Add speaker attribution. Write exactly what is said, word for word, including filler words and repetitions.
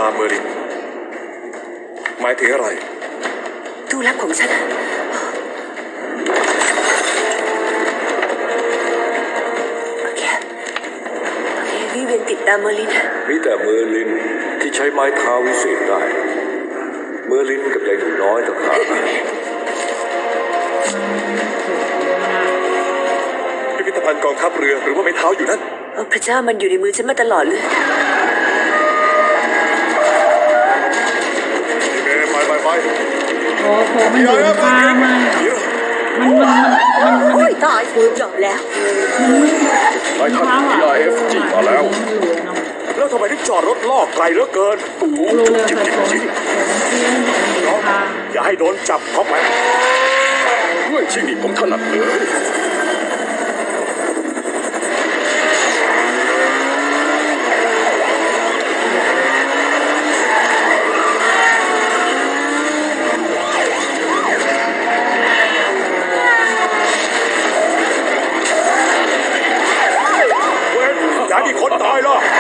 Speaker 1: ตามเมอรินหมายถึงอะไร
Speaker 2: ตู้ลับของฉันโอเคโอเควิเวียนติดตามเมอริน
Speaker 3: มีแต่เมอร์ลินที่ใช้ไม้เท้าวิเศษได้เมอร์ลินกับยายหนูน้อยต่างหาก
Speaker 1: พิพิธภัณฑ์กองทัพเรือหรือว่าไม้เท้าอยู่นั่น
Speaker 2: พระเจ้ามันอยู่ในมือฉันมาตลอดเลย
Speaker 1: ไปไปไป
Speaker 4: โอ้โหมันอยู่ข้างมากมันมันมันมันมัน
Speaker 2: ตายฟูจบแล้ว
Speaker 3: ไอ้ท่าน พี อาร์ เอฟ จีมาแล้ว
Speaker 1: แล้วทำไมถึงจอดรถล่อไกลเหลือเกิน
Speaker 4: รู้เลยใส่ผมผม
Speaker 1: น้องอย่าให้โดนจับเข้าไป
Speaker 3: ด้วยชีวิตผมถนัดเลย
Speaker 1: อย่าให้คนตายล่ะ